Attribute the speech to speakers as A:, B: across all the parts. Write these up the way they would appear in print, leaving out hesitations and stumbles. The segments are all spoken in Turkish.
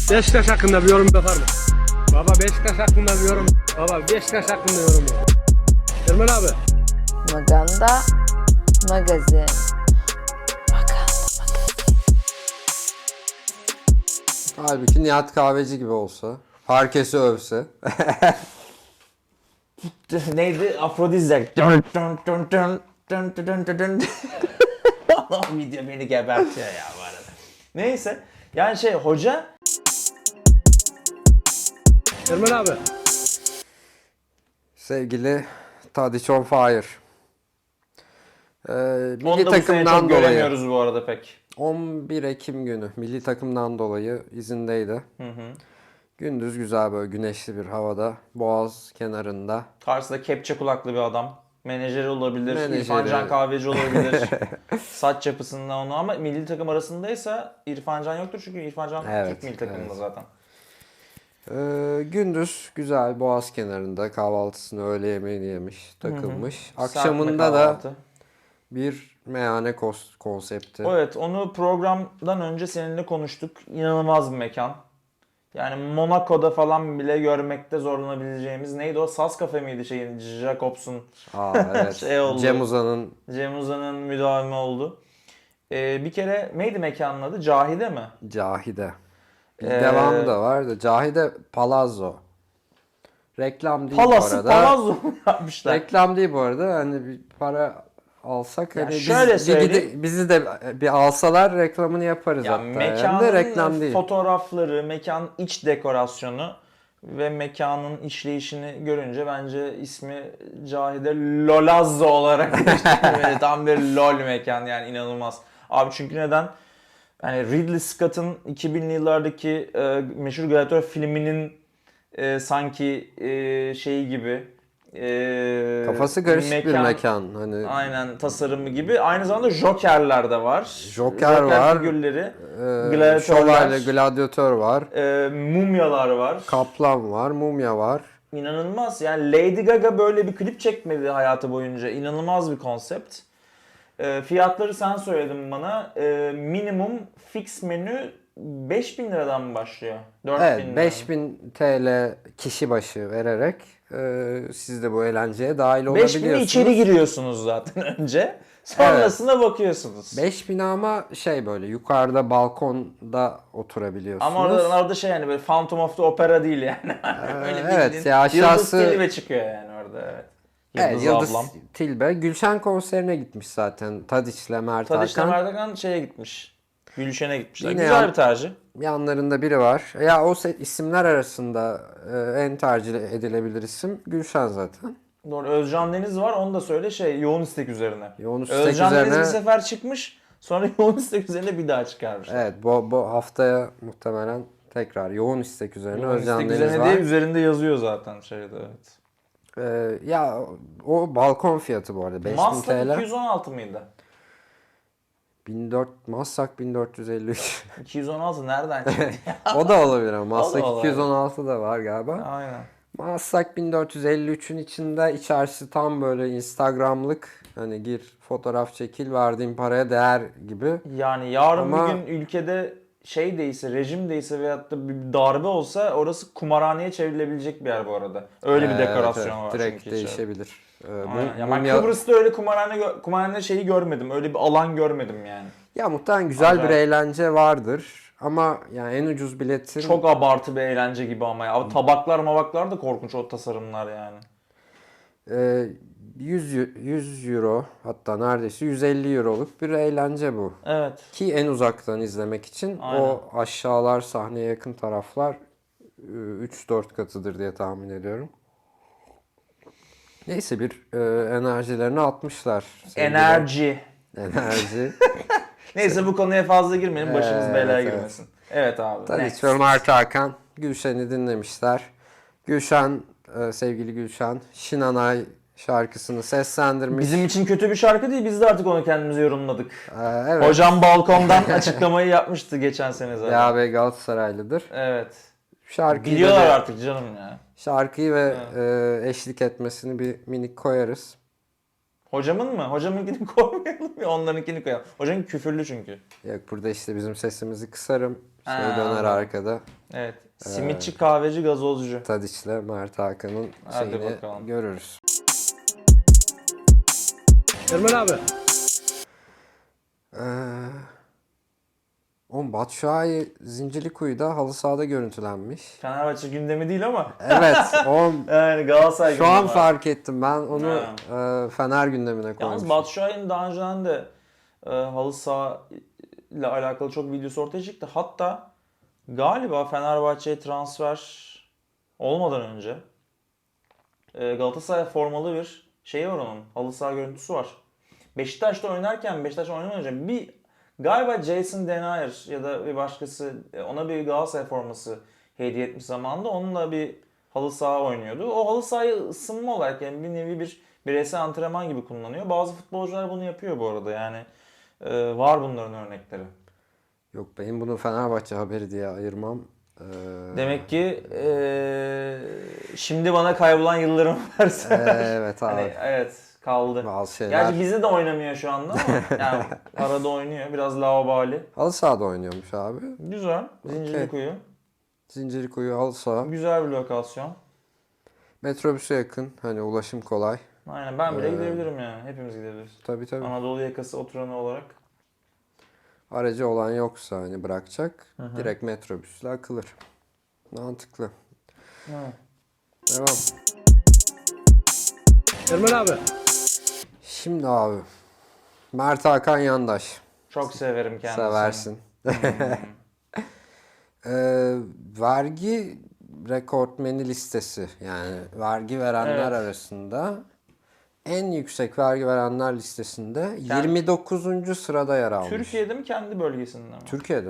A: Beşiktaş hakkında bir yorum yapar mı? Baba Beşiktaş hakkında bir yorum. Baba Beşiktaş hakkında yorum yap. Ermen abi.
B: Maganda Magazin.
C: Halbuki Nihat Kahveci gibi olsa. Herkesi övse.
D: Neydi? Afrodizyak. Video beni gebertiyor ya bu arada. Neyse. Yani hoca...
A: Ermen abi.
C: Sevgili Tadiç on Fire.
D: Onu
C: Milli
D: da bu sene
C: takımdan
D: çok
C: dolayı.
D: göremiyoruz bu arada pek.
C: 11 Ekim günü milli takımdan dolayı izindeydi. Gündüz güzel böyle güneşli bir havada. Boğaz kenarında.
D: Karşısında kepçe kulaklı bir adam. Menajeri olabilir,
C: Menajeri.
D: İrfan Can Kahveci olabilir. Saç yapısında onu ama milli takım arasındaysa İrfan Can yoktur çünkü İrfan Can
C: Evet,
D: Türk milli takımında
C: evet.
D: zaten.
C: Gündüz güzel Boğaz kenarında kahvaltısını öğle yemeğini yemiş, takılmış.
D: Serpme
C: Akşamında da
D: kahvaltı.
C: bir meyhane konsepti.
D: Evet, onu programdan önce seninle konuştuk. İnanılmaz bir mekan. Yani Monaco'da falan bile görmekte zorlanabileceğimiz neydi o? Saz Cafe miydi Jacobs'un
C: Evet.
D: oldu.
C: Cem Uzan'ın
D: Cem Uzan'ın müdavimi oldu. Bir kere neydi mekanın adı? Cahide mi?
C: Cahide. Bir
D: Ee,
C: devamı da var da Cahide Palazzo. Reklam değil bu
D: Palazzo
C: arada.
D: Palazzo mu yapmışlar?
C: Reklam değil bu arada. Hani bir para alsak
D: Ya
C: hani
D: şöyle söyleyeyim.
C: bizi de bir alsalar reklamını yaparız
D: Ya
C: hatta. Hem
D: mekanın
C: de reklam değil.
D: fotoğrafları, mekan iç dekorasyonu ve mekanın işleyişini görünce bence ismi Cahide Lolazzo olarak geçti. Tam bir lol mekan yani inanılmaz. Abi çünkü neden? Yani Ridley Scott'ın 2000'li yıllardaki meşhur Gladiator filminin sanki şeyi gibi
C: Kafası karışık bir mekan. Hani
D: aynen tasarımı gibi. Aynı zamanda Joker'ler de var.
C: Joker var.
D: Figürleri.
C: Şövalye, gladyatör var.
D: Mumyalar var.
C: Kaplan var, mumya var.
D: İnanılmaz. Yani Lady Gaga böyle bir klip çekmedi hayatı boyunca. İnanılmaz bir konsept. Fiyatları sen söyledin bana. Minimum fix menü 5.000 liradan mı başlıyor? 4.000
C: Evet,
D: liradan.
C: 5000 TL kişi başı vererek siz de bu eğlenceye dahil
D: 5.000'e
C: olabiliyorsunuz.
D: içeri giriyorsunuz zaten önce. Sonrasında bakıyorsunuz.
C: 5000 ama böyle yukarıda balkonda oturabiliyorsunuz.
D: Ama orada yani böyle Phantom of the Opera değil yani. Öyle
C: evet,
D: bildiğin
C: ya aşağısı-
D: Yıldız Tilbe çıkıyor yani orada evet.
C: Evet, Yıldız
D: ablam.
C: Tilbe. Gülşen konserine gitmiş zaten. Tadiç'le Mert
D: Tadiş'le
C: Hakan.
D: Mert Hakan gitmiş. Gülşen'e gitmişler.
C: Yine
D: Güzel
C: yan-
D: bir tercih.
C: Yanlarında biri var. Ya o isimler arasında en tercih edilebilir isim Gülşen zaten.
D: Doğru. Özcan Deniz var. Onu da söyle yoğun istek üzerine.
C: Yoğun istek
D: Özcan Deniz
C: üzerine-
D: bir sefer çıkmış. Sonra yoğun istek üzerine bir daha çıkarmışlar.
C: Evet, bu haftaya muhtemelen tekrar yoğun istek üzerine
D: Yoğun
C: Özcan
D: istek
C: Deniz
D: üzerine
C: var.
D: diye üzerinde yazıyor zaten evet.
C: Ya o balkon fiyatı bu arada 5000
D: Maslak
C: TL.
D: 216 mıydı?
C: 1453.
D: 216 nereden çıktı ya?
C: O da olabilir ama
D: O da
C: Maslak
D: olabilir.
C: 216 da var galiba.
D: Aynen.
C: Maslak 1453'ün içinde içerisi tam böyle Instagram'lık hani gir fotoğraf çekil verdiğin paraya değer gibi.
D: Yani yarın
C: Ama-
D: bir gün ülkede değilse, rejim değilse veyahut da bir darbe olsa orası kumarhaneye çevrilebilecek bir yer bu arada. Öyle bir dekorasyon var
C: direkt
D: çünkü içeride.
C: değişebilir.
D: Aynen. Ya ben Kıbrıs'ta öyle kumarhane görmedim. Öyle bir alan görmedim yani.
C: Ya muhtemelen güzel
D: Acayip.
C: bir eğlence vardır ama yani en ucuz biletin
D: Çok abartı bir eğlence gibi ama ya. Tabaklar mabaklar da korkunç o tasarımlar yani.
C: 100 euro hatta neredeyse 150 euroluk bir eğlence bu.
D: Evet.
C: Ki en uzaktan izlemek için
D: Aynen.
C: o aşağılar sahneye yakın taraflar 3-4 katıdır diye tahmin ediyorum. Neyse bir enerjilerini atmışlar.
D: Enerji.
C: Enerji.
D: Neyse bu konuya fazla girmeyelim. Başımız
C: Evet,
D: belaya
C: evet.
D: girmesin. Evet abi.
C: Tabii
D: next.
C: ki Mert Hakan Gülşen'i dinlemişler. Gülşen, sevgili Gülşen, Şinanay şarkısını seslendirmiş.
D: Bizim için kötü bir şarkı değil. Biz de artık onu kendimize yorumladık.
C: Evet.
D: Hocam balkondan açıklamayı yapmıştı geçen sene zaten.
C: Ya be Galatasaraylıdır.
D: Evet.
C: Şarkıyı
D: Biliyorlar
C: da-
D: artık canım ya.
C: Şarkıyı ve eşlik etmesini bir minik koyarız.
D: Hocamın mı? Hocamınkini koymayalım ya, onlarınkini koyalım. Hocamın küfürlü çünkü.
C: Yok, burada işte bizim sesimizi kısarım. Şey
D: Ha,
C: döner
D: anladım.
C: arkada.
D: Evet. Simitçi, kahveci, gazozcu.
C: Tadiç'le Mert Hakan'ın
D: Hadi
C: şeyini
D: bakalım.
C: görürüz.
A: Ermen abi.
C: Oğlum Batshuayi Zincirlikuyu'da halı sahada görüntülenmiş.
D: Fenerbahçe gündemi değil ama.
C: Evet, oğlum
D: Yani Galatasaray
C: şu an
D: gündemi var.
C: fark ettim. Ben onu Fener gündemine
D: Yalnız
C: koymuşum.
D: Batshuayi'nin daha önceden de halı saha ile alakalı çok videosu ortaya çıktı. Hatta galiba Fenerbahçe'ye transfer olmadan önce Galatasaray formalı bir şeyi var onun. Halı saha görüntüsü var. Beşiktaş'ta oynarken, Beşiktaş'ta oynamadan önce galiba Jason Denayer ya da bir başkası ona bir Galatasaray forması hediye etmiş zamanında. Onunla bir halı saha oynuyordu. O halı sahayı ısınma olarak, yani bir nevi bir bireysel antrenman gibi kullanıyor. Bazı futbolcular bunu yapıyor bu arada, yani var bunların örnekleri.
C: Yok, benim bunu Fenerbahçe haberi diye ayırmam.
D: Demek ki şimdi bana kaybolan yıllarımı versen.
C: Evet abi.
D: Hani, evet, kaldı.
C: Bazı şeyler.
D: Gerçi bizde de oynamıyor şu anda ama yani arada oynuyor. Biraz laubali.
C: Halı sahada oynuyormuş abi.
D: Güzel. Zincirlikuyu.
C: Zincirlikuyu halı saha.
D: Güzel bir lokasyon.
C: Metrobüse yakın. Hani ulaşım kolay.
D: Aynen, ben bile gidebilirim yani. Hepimiz gidebiliriz.
C: Tabii tabii.
D: Anadolu yakası oturanı olarak.
C: Aracı olan yoksa hani bırakacak. Direkt metrobüsle akılır. Mantıklı.
D: Evet.
C: Devam.
A: Ermen abi.
C: Şimdi abi. Mert Hakan Yandaş.
D: Çok severim kendisini.
C: Seversin. Vergi rekortmeni listesi, yani vergi verenler
D: Evet.
C: arasında en yüksek vergi verenler listesinde 29. sırada yer almış.
D: Türkiye'de mi, kendi bölgesinde mi?
C: Türkiye'de.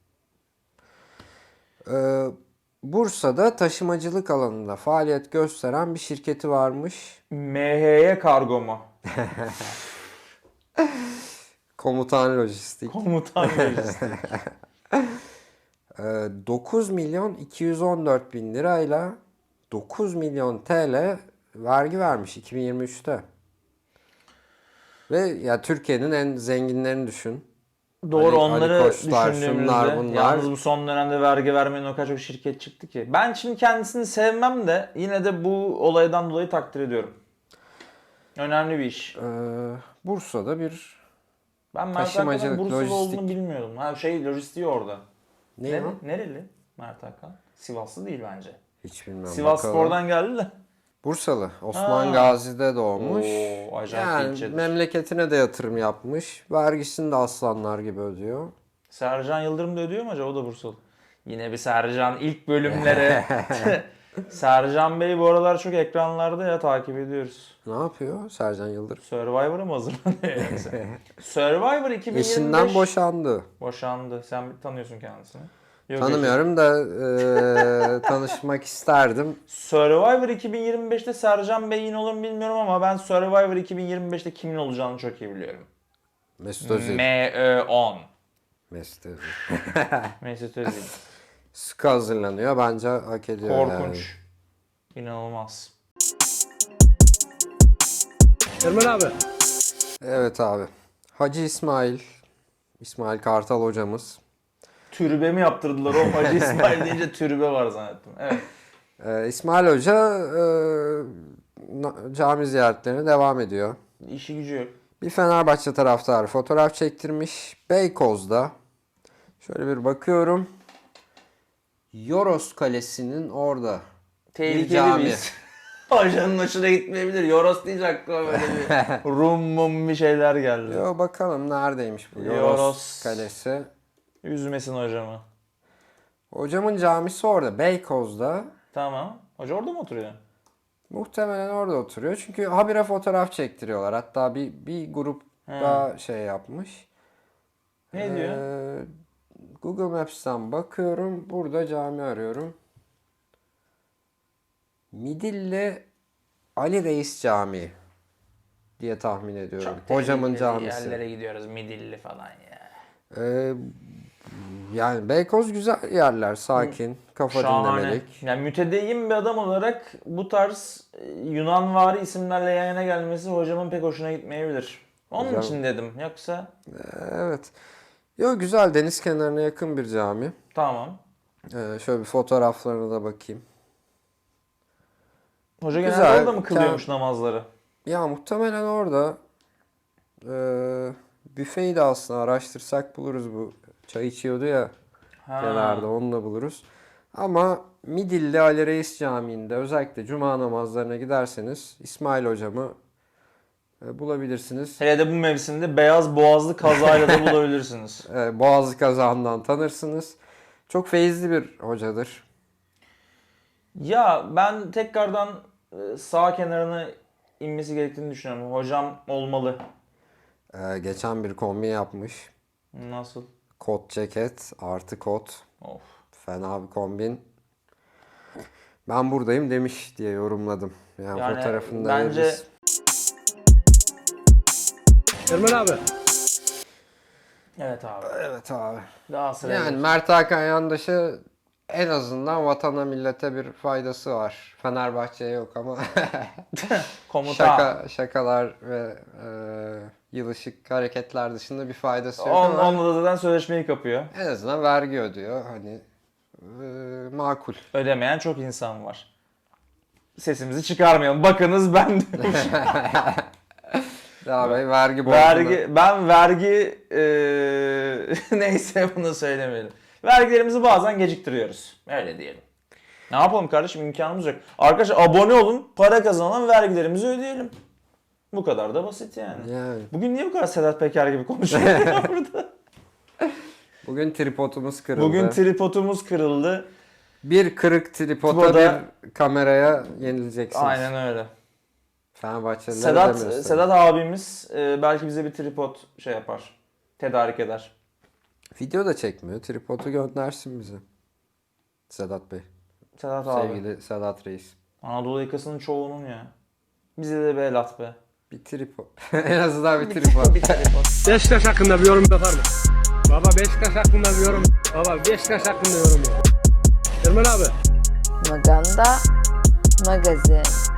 C: Bursa'da taşımacılık alanında faaliyet gösteren bir şirketi varmış.
D: MHY Kargo mu?
C: Komutan Lojistik.
D: Komutan lojistik.
C: 9 milyon 214 bin lirayla 9 milyon TL vergi vermiş 2023'te. Ve ya Türkiye'nin en zenginlerini düşün.
D: Doğru,
C: Ali
D: onları
C: Koçlar,
D: düşündüğümüzde
C: şunlar, bunlar.
D: yalnız bu son dönemde vergi vermeyen o kadar çok şirket çıktı ki. Ben şimdi kendisini sevmem de yine de bu olaydan dolayı takdir ediyorum. Önemli bir iş.
C: Bursa'da bir
D: Ben Mert
C: taşımacılık,
D: Hakan'ın Bursalı
C: lojistik.
D: olduğunu bilmiyordum. Ha, lojistiği orada.
C: ne o?
D: Nereli Mert Hakan? Sivaslı değil bence.
C: Hiç bilmiyorum.
D: Sivas
C: bakalım.
D: Spor'dan geldi de.
C: Bursalı. Osman
D: Ha.
C: Gazi'de doğmuş.
D: Oo, acayip
C: Yani
D: ilçedir.
C: memleketine de yatırım yapmış. Vergisini de aslanlar gibi ödüyor.
D: Sercan Yıldırım da ödüyor mu acaba? O da Bursalı. Yine bir Sercan ilk bölümlere. Sercan Bey bu aralar çok ekranlarda ya, takip ediyoruz.
C: Ne yapıyor Sercan Yıldırım?
D: Survivor'a mı hazırlanıyor yoksa? Survivor 2025.
C: Eşinden boşandı.
D: Boşandı. Sen tanıyorsun kendisini. Yok,
C: Tanımıyorum da tanışmak isterdim.
D: Survivor 2025'te Sercan Bey yine olur mu bilmiyorum ama ben Survivor 2025'te kimin olacağını çok iyi biliyorum.
C: Mesut Özil.
D: MÖ10.
C: Mesut Özil.
D: Mesut Özil.
C: Sıkı hazırlanıyor. Bence hak ediyor
D: Korkunç. İnanılmaz.
A: Ermen abi.
C: Evet abi. Hacı İsmail. İsmail Kartal hocamız.
D: Türbe mi yaptırdılar o Hacı İsmail deyince türbe var zannettim. Evet.
C: İsmail Hoca cami ziyaretlerine devam ediyor.
D: İşi gücü yok.
C: Bir Fenerbahçe taraftarı fotoğraf çektirmiş. Beykoz'da. Şöyle bir bakıyorum. Yoros Kalesi'nin orada.
D: Tehlikeli
C: cami.
D: biz. Hocanın hoşuna gitmeyebilir. Yoros deyince aklıma böyle bir rum mum bir şeyler geldi.
C: Yo, bakalım neredeymiş bu Yoros,
D: Yoros.
C: Kalesi.
D: Üzmesin hocamı.
C: Hocamın camisi orada. Beykoz'da.
D: Tamam. Hoca orada mı oturuyor?
C: Muhtemelen orada oturuyor. Çünkü habire fotoğraf çektiriyorlar. Hatta bir grup daha şey yapmış.
D: Ne diyor?
C: Google Maps'ten bakıyorum. Burada cami arıyorum. Midilli Ali Reis Camii diye tahmin ediyorum. Hocamın
D: tehlikeli
C: camisi.
D: yerlere gidiyoruz. Midilli falan ya.
C: Yani Beykoz güzel yerler, sakin, kafa
D: Şahane.
C: dinlemelik.
D: Yani mütedeyyin bir adam olarak bu tarz Yunanvari isimlerle yan yana gelmesi hocamın pek hoşuna gitmeyebilir. Onun
C: Hocam-
D: için dedim. Yoksa
C: Evet. Yo, güzel, deniz kenarına yakın bir cami.
D: tamam.
C: Şöyle bir fotoğraflarına da bakayım.
D: Hoca
C: Güzel.
D: genelde orada mı kılıyormuş namazları?
C: Ya muhtemelen orada büfeyi de aslında araştırsak buluruz, bu çay içiyordu ya
D: Ha.
C: kenarda, onu da buluruz. Ama Midilli Ali Reis Camii'nde özellikle cuma namazlarına giderseniz İsmail hocamı bulabilirsiniz.
D: Hele de bu mevsimde beyaz boğazlı kazayla da bulabilirsiniz.
C: Boğazı kazağından tanırsınız. Çok feyizli bir hocadır.
D: Ya ben tekrardan sağ kenarına inmesi gerektiğini düşünüyorum. Hocam olmalı.
C: Geçen bir kombi yapmış.
D: Nasıl?
C: Kot ceket artı kot.
D: Of.
C: Fena bir kombin. Ben buradayım demiş diye yorumladım. Yani
D: Yani
C: fotoğrafını da
D: bence
C: veririz.
A: Ermen abi.
D: evet abi.
C: Evet abi.
D: Daha sıraya
C: Yani
D: geç.
C: Mert Hakan Yandaş'ı en azından vatana millete bir faydası var. Fenerbahçe'ye yok ama
D: Komutan.
C: şakalar ve yılışık hareketler dışında bir faydası yok ama
D: Onunla da zaten sözleşmeyi kapıyor.
C: en azından vergi ödüyor. Hani makul.
D: Ödemeyen çok insan var. Sesimizi çıkarmayalım. Bakınız ben demiş.
C: Daha Bey vergi borcunu.
D: ben vergi neyse bunu söylemeyelim. Vergilerimizi bazen geciktiriyoruz. Öyle diyelim. Ne yapalım kardeşim, imkanımız yok. Arkadaşlar abone olun, para kazanalım, vergilerimizi ödeyelim. Bu kadar da basit yani.
C: Yani.
D: Bugün niye bu kadar Sedat Peker gibi konuşuyor burada?
C: Bugün tripodumuz kırıldı.
D: Bugün tripodumuz kırıldı.
C: bir kırık tripoda
D: Tripoda-
C: bir kameraya yenileceksiniz.
D: Aynen öyle.
C: Fenerbahçeliler
D: Sedat abimiz belki bize bir tripod şey yapar. Tedarik eder.
C: Video da çekmiyor. Tripodu göndersin bize. Sedat Bey.
D: Sedat abi.
C: Sevgili Sedat Reis.
D: Anadolu yakasının çoğunun ya. Bize de bir el at be.
C: Bir tripod. En azından bir tripod.
A: Beşiktaş hakkında bir yorum yapar mı? Baba Beşiktaş hakkında bir yorum. Baba Beşiktaş hakkında yorum yap. Ermen abi.
B: Maganda Magazin.